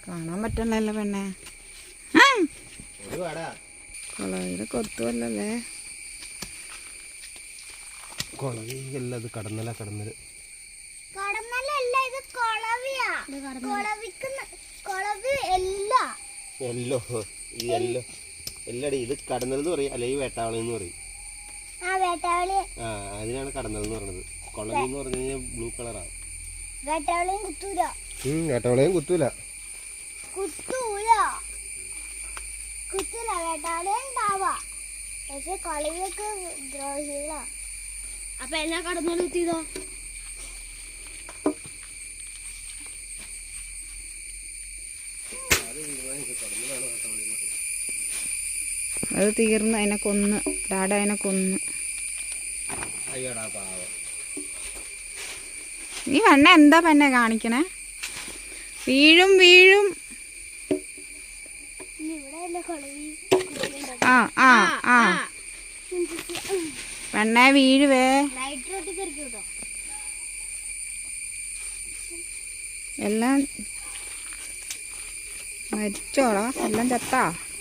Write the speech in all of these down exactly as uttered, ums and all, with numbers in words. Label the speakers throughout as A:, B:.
A: കാണാൻ പറ്റണല്ലോ പെണ്ണെ. കൊളവിയുടെ കൊത്തുവല്ലേ.
B: കൊളവിയല്ല, ഇത് കടന്നല. കടന്നല്
C: കടന്നലല്ല, ഇത് കൊളവിയാ. കൊളവിക്ക് കൊളവി എല്ല
B: എല്ലോ ഈ എല്ലോ എല്ലടി. ഇത് കടന്നൽ എന്ന് പറയും, അല്ലെങ്കിൽ വേട്ടാവളി എന്ന് പറയും.
C: ആ വേട്ടാവളി.
B: ആ അതിനാണ് കടന്നൽ എന്ന് പറയുന്നത്. കൊളവി എന്ന് പറഞ്ഞു കഴിഞ്ഞാൽ ബ്ലൂ കളറാണ്.
C: വേട്ടാവളിയും കുത്തൂല.
B: വേട്ടാവളിയും കുത്തൂല.
C: കുത്തൂല കുത്തൂല വേട്ടാവളിയും ഉണ്ടാവാ. പക്ഷെ കൊളവിയൊക്കെ ദ്രോഹികള. അപ്പൊ എന്നാ കടന്നൽ കുത്തിയതോ?
A: അത് തീർന്ന് അതിനെ കൊന്ന്. ഡാഡ അതിനെ കൊന്ന്. ഈ പെണ്ണ എന്താ പെണ്ണെ കാണിക്കണേ? വീഴും വീഴും. ആ ആ ആ പെണ്ണെ വീഴുവേ. എല്ലാം മരിച്ചോടാ, എല്ലാം ചത്താ.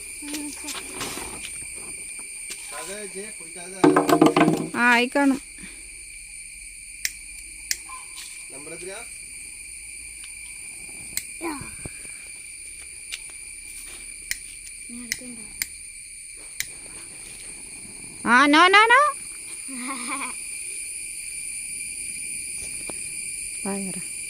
A: ആ ആയിക്കാണും. ആ നോ നോ നോ പയറ